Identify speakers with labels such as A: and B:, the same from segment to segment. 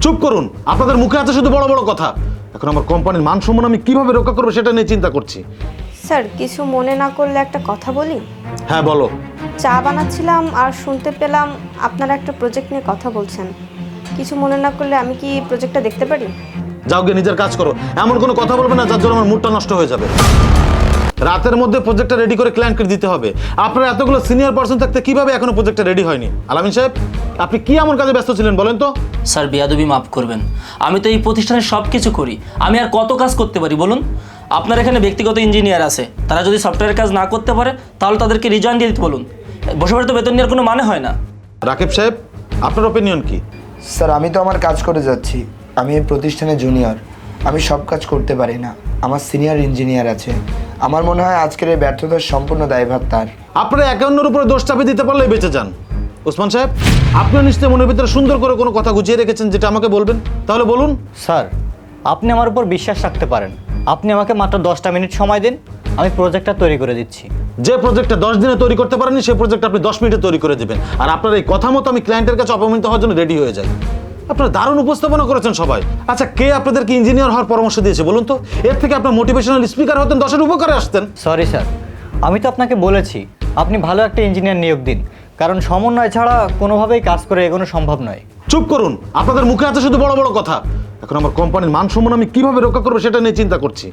A: চুপ করুন, আপনাদের মুখে আছে শুধু বড় বড় কথা। এখন আমার কোম্পানির মান সম্মান আমি কিভাবে রক্ষা করবো সেটা নিয়ে চিন্তা করছি।
B: স্যার কিছু মনে না করলে একটা কথা বলি।
A: হ্যাঁ বলো।
B: চা বানাচ্ছিলাম আর শুনতে পেলাম আপনারা একটা প্রজেক্ট নিয়ে কথা বলছেন। কিছু মনে না করলে আমি কি প্রজেক্টটা দেখতে পারি?
A: যাও গিয়ে নিজের কাজ করো, এমন কোনো কথা বলবে না যার জন্য আমার মুডটা নষ্ট হয়ে যাবে। রাতের মধ্যে প্রজেক্টটা রেডি করে ক্লায়েন্টকে দিতে হবে। আপনার এতগুলো সিনিয়র পার্সন থাকতে কিভাবে এখনো প্রজেক্টটা রেডি হয়নি? আলামিন সাহেব, আপনি কি এমন কাজে ব্যস্ত ছিলেন বলেন তো?
C: স্যার বেয়াদবি মাফ করবেন, আমি তো এই প্রতিষ্ঠানে সব কিছু করি, আমি আর কত কাজ করতে পারি বলুন? আপনার এখানে ব্যক্তিগত ইঞ্জিনিয়ার আছে, তারা যদি সফটওয়্যারের কাজ না করতে পারে তাহলে তাদেরকে রিজাইন দিয়ে দিতে বলুন। বসে বসে তো বেতন নেওয়ার কোনো মানে হয় না।
A: রাকিব সাহেব, আপনার ওপিনিয়ন কি?
D: স্যার আমি তো আমার কাজ করে যাচ্ছি। আমি এই প্রতিষ্ঠানে জুনিয়র, আমি সব কাজ করতে পারি না। আমার সিনিয়র ইঞ্জিনিয়ার আছে। আমার মনে হয় আজকের এই ব্যর্থতার সম্পূর্ণ দায়ভার তার।
A: আপনারা একান্নর উপরে দোষ চাপিয়ে দিতে পারলেই বেঁচে যান। ওসমান সাহেব, আপনিও নিশ্চয়ই মনের ভিতরে সুন্দর করে কোনো কথা গুছিয়ে রেখেছেন যেটা আমাকে বলবেন, তাহলে বলুন।
E: স্যার আপনি আমার উপর বিশ্বাস রাখতে পারেন। আপনি আমাকে মাত্র 10টা মিনিট সময় দিন, আমি প্রজেক্টটা তৈরি করে দিচ্ছি।
A: যে প্রজেক্টটা 10 দিনে তৈরি করতে পারেননি সেই প্রজেক্ট আপনি 10 মিনিটে তৈরি করে দেবেন। আর আপনার এই কথা মতো আমি ক্লায়েন্টের কাছে অপমানিত হওয়ার জন্য রেডি হয়ে যাই। আপনারা দারুণ উপস্থাপনা করেছেন সবাই। আচ্ছা, কে আপনাদেরকে ইঞ্জিনিয়ার হওয়ার পরামর্শ দিয়েছে বলুন তো? এর থেকে আপনার মোটিভেশনাল স্পিকার হতেন, 10-এর উপকারে আসতেন।
E: সরি স্যার, আমি তো আপনাকে বলেছি আপনি ভালো একটা ইঞ্জিনিয়ার নিয়োগ দিন, কারণ সমন্বয় ছাড়া কোনোভাবেই কাজ করে এগোনো সম্ভব নয়।
A: চুপ করুন, আপনাদের মুখে আছে শুধু বড় বড় কথা। এখন আমার কোম্পানির মান সম্মান আমি কিভাবে রক্ষা করবো সেটা নিয়ে চিন্তা করছি।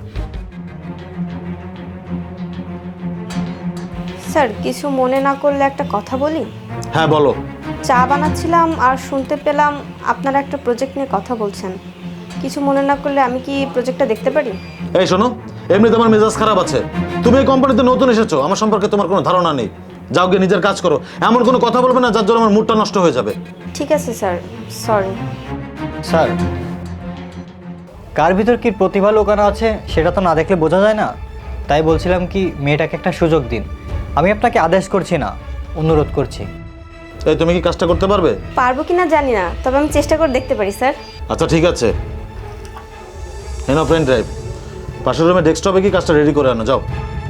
B: স্যার কিছু মনে না করলে একটা কথা বলি।
A: হ্যাঁ বলো।
B: চা বানাচ্ছিলাম আর শুনতে পেলাম আপনারা একটা প্রজেক্ট নিয়ে কথা বলছেন। কিছু মনে না করলে আমি কি প্রজেক্টটা দেখতে পারি?
A: এই শোনো, এমনি তোমার মেজাজ খারাপ আছে। তুমি এই কোম্পানিতে নতুন এসেছো, আমার সম্পর্কে তোমার কোনো ধারণা নেই। যাও গিয়ে নিজের কাজ করো, এমন কোনো কথা বলবে না যার জন্য আমার মুডটা নষ্ট হয়ে যাবে।
B: ঠিক আছে স্যার, সরি।
E: স্যার কার ভিতর কি প্রতিভা লুকানো আছে সেটা তো না দেখলে বোঝা যায় না। তাই বলছিলাম কি মেয়েটাকে একটা সুযোগ দিন। আমি আপনাকে আদেশ করছি না, অনুরোধ করছি।
A: এই তুমি কি কাজটা করতে পারবে?
B: পারবো কি না জানি না, তবে আমি চেষ্টা করে দেখতে পারি স্যার।
A: আচ্ছা ঠিক আছে, এনো পেন ড্রাইভ। পাশের রুমে ডেস্কটপে কি কাজটা রেডি করে আনো, যাও।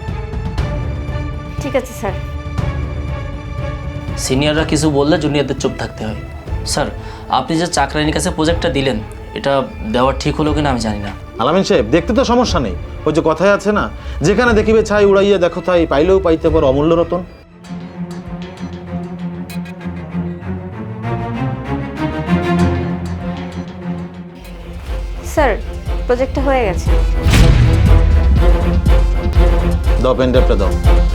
B: ঠিক আছে স্যার।
C: সিনিয়ররা কিছু বললে জুনিয়রদের চুপ থাকতে হয়। স্যার আপনি যে চাকরানির কাছে প্রজেক্টটা দিলেন, এটা দেওয়া ঠিক হলো কিনা আমি জানি না।
A: আলামিন সাহেব, দেখতে তো সমস্যা নেই। ওই যে কথায় আছে না, যেখানে দেখিবে ছাই উড়াইয়া দেখো তাই, পাইলেও পাইতে পারো অমূল্য রতন।
B: স্যার প্রজেক্টটা হয়ে গেছে।
A: দাও পেন ড্রাইভটা দাও।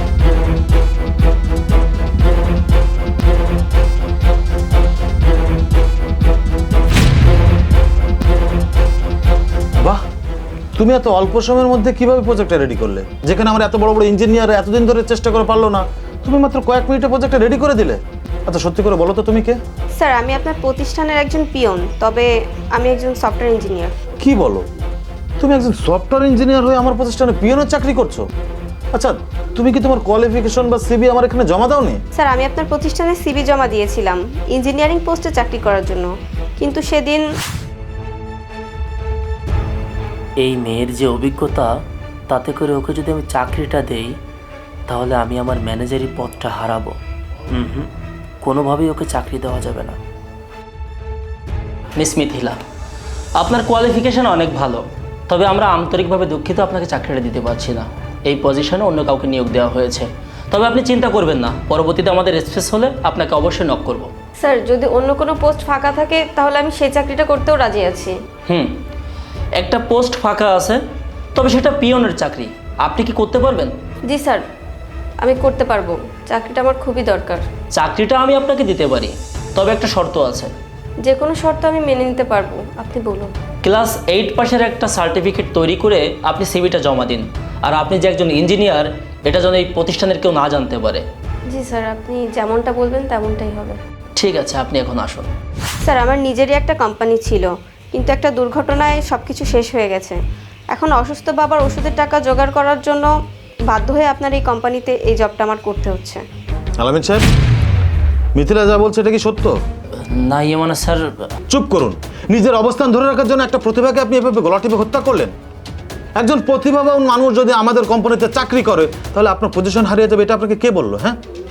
A: বাহ, তুমি এত অল্প সময়ের মধ্যে কিভাবে প্রজেক্টটা রেডি করলে? যেখানে আমার এত বড় বড় ইঞ্জিনিয়ার এতদিন ধরে চেষ্টা করে পারলো না, তুমি মাত্র কয়েক মিনিটে প্রজেক্টটা রেডি করে দিলে। আচ্ছা সত্যি করে বলো তো তুমি কে?
B: স্যার আমি আপনার প্রতিষ্ঠানের একজন পিয়ন, তবে আমি একজন সফটওয়্যার ইঞ্জিনিয়ার।
A: কি বলো? তুমি একজন সফটওয়্যার ইঞ্জিনিয়ার হয়ে আমার প্রতিষ্ঠানে পিয়নের চাকরি করছো? আচ্ছা, তুমি কি তোমার কোয়ালিফিকেশন বা সিভি আমার এখানে জমা দাওনি?
B: স্যার আমি আপনার প্রতিষ্ঠানে সিভি জমা দিয়েছিলাম ইঞ্জিনিয়ারিং পোস্টে চাকরি করার জন্য, কিন্তু সেদিন
C: এই মেয়ের যে অভিজ্ঞতা, তাতে করে ওকে যদি আমি চাকরিটা দেই তাহলে আমি আমার ম্যানেজারি পদটা হারাবো। কোনোভাবেই ওকে চাকরি দেওয়া যাবে না। মিস মিথিলা, আপনার কোয়ালিফিকেশন অনেক ভালো, তবে আমরা আন্তরিকভাবে দুঃখিত আপনাকে চাকরিটা দিতে পারছি না। এই পজিশনে অন্য কাউকে নিয়োগ দেওয়া হয়েছে। তবে আপনি চিন্তা করবেন না, পরবর্তীতে আমাদের স্পেস হলে আপনাকে অবশ্যই নক করব।
B: স্যার যদি অন্য কোনো পোস্ট ফাঁকা থাকে তাহলে আমি সেই চাকরিটা করতেও রাজি আছি।
C: একটা পোস্ট ফাঁকা আছে, তবে সেটা পিয়নের চাকরি। আপনি কি করতে পারবেন?
B: জি স্যার, আমি করতে পারবো। চাকরিটা আমার খুবই দরকার।
C: চাকরিটা আমি আপনাকে দিতে পারি, তবে একটা শর্ত আছে।
B: যে কোনো শর্ত আমি মেনে নিতে পারবো, আপনি বলুন।
C: ক্লাস 8 পাশের একটা সার্টিফিকেট তৈরি করে আপনি সিভিটা জমা দিন। আর আপনি যে একজন ইঞ্জিনিয়ার, এটা যেন এই প্রতিষ্ঠানের কেউ না জানতে পারে।
B: জি স্যার, আপনি যেমনটা বলবেন তেমনটাই হবে।
C: ঠিক আছে, আপনি এখন আসুন।
B: স্যার আমার নিজেরই একটা কোম্পানি ছিল, কিন্তু একটা দুর্ঘটনায় সব কিছু শেষ হয়ে গেছে। এখন অসুস্থ বাবার ওষুধের টাকা জোগাড় করার জন্য বাধ্য হয়ে আপনার এই কোম্পানিতে এই জবটা আমার করতে হচ্ছে।
A: আলামিন সাহেব, মিথিলা যা বলছে এটা কি সত্য?
C: না মানে স্যার।
A: চুপ করুন। নিজের অবস্থান ধরে রাখার জন্য একটা প্রতিভাকে আপনি এভাবে গলা টিপে হত্যা করলেন। একজন প্রতিভাবান মানুষ যদি আমাদের কোম্পানিতে চাকরি করে তাহলে আপনার পজিশন হারিয়ে যাবে, এটা আপনাকে কে বললো? হ্যাঁ,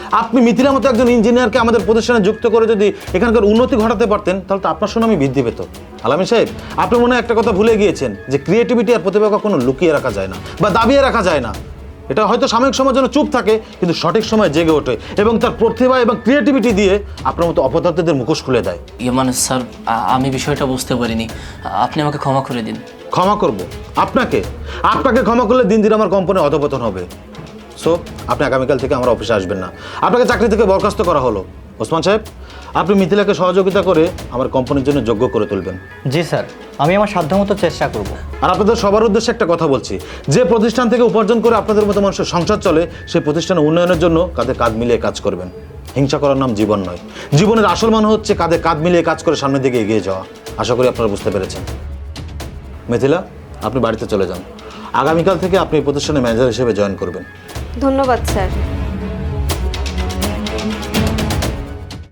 A: আপনি মিথিলার মতো একজন ইঞ্জিনিয়ারকে আমাদের প্রতিষ্ঠানে যুক্ত করে যদি এখানকার উন্নতি ঘটাতে পারতেন তাহলে তো আপনার সুনামই বৃদ্ধি পেত। আলামিন সাহেব, আপনি মনে হয় একটা কথা ভুলে গিয়েছেন যে ক্রিয়েটিভিটি আর প্রতিভা কখনো লুকিয়ে রাখা যায় না বা দাবিয়ে রাখা যায় না। এটা হয়তো সাময়িক সময়ের জন্য চুপ থাকে, কিন্তু সঠিক সময় জেগে ওঠে এবং তার প্রতিভা এবং ক্রিয়েটিভিটি দিয়ে আপনার মতো অপদার্থদের মুখোশ খুলে দেয়।
C: মানে স্যার, আমি বিষয়টা বুঝতে পারিনি, আপনি আমাকে ক্ষমা করে দিন।
A: ক্ষমা করব আপনাকে? আপনাকে ক্ষমা করলে দিন দিন আমার কোম্পানি অধপতন হবে। সো আপনি আগামীকাল থেকে আমার অফিসে আসবেন না, আপনাকে চাকরি থেকে বরখাস্ত করা হলো। ওসমান সাহেব, আপনি মিথিলাকে সহযোগিতা করে আমার কোম্পানির জন্য যোগ্য করে তুলবেন।
E: জি স্যার, আমি আমার সাধ্যমতো চেষ্টা করব।
A: আর আপনাদের সবার উদ্দেশ্যে একটা কথা বলছি, যে প্রতিষ্ঠান থেকে উপার্জন করে আপনাদের মতো মানুষের সংসার চলে, সেই প্রতিষ্ঠানের উন্নয়নের জন্য কাঁধে কাঁধ মিলিয়ে কাজ করবেন। হিংসা করার নাম জীবন নয়, জীবনের আসল মানে হচ্ছে কাঁধে কাঁধ মিলিয়ে কাজ করে সামনের দিকে এগিয়ে যাওয়া। আশা করি আপনারা বুঝতে পেরেছেন। মিথিলা, আপনি বাড়িতে চলে যান। আগামীকাল থেকে আপনি এই প্রতিষ্ঠানের ম্যানেজার হিসেবে জয়েন করবেন।
B: ধন্যবাদ স্যার।